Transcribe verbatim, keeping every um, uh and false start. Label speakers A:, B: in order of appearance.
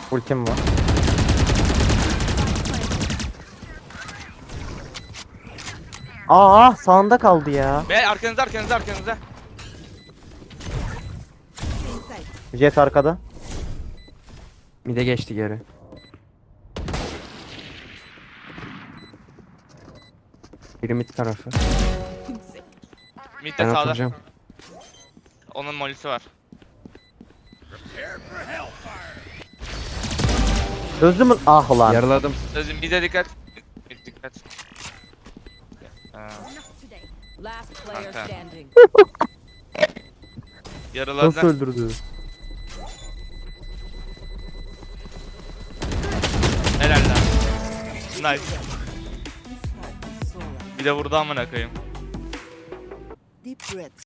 A: Ultim var. Aa sağında kaldı ya.
B: Be arkanızda arkanızda arkanızda.
A: Jet arkada.
C: Mide geçti geri. Biri mid tarafı.
B: Mid'de
C: Ben
B: sağda.
C: atacağım.
B: Onun molisi var.
A: Çözdü mü? Ah ulan.
C: Yaraladım.
B: Sözüm bize dikkat. Mid dikkat. Ha,
D: Last player
B: Kanka.
D: standing.
B: yarıladı.
A: Nasıl öldürdü?
B: Helal lan. Nice. Bir de vurdu amına koyayım.
E: Deep breaths.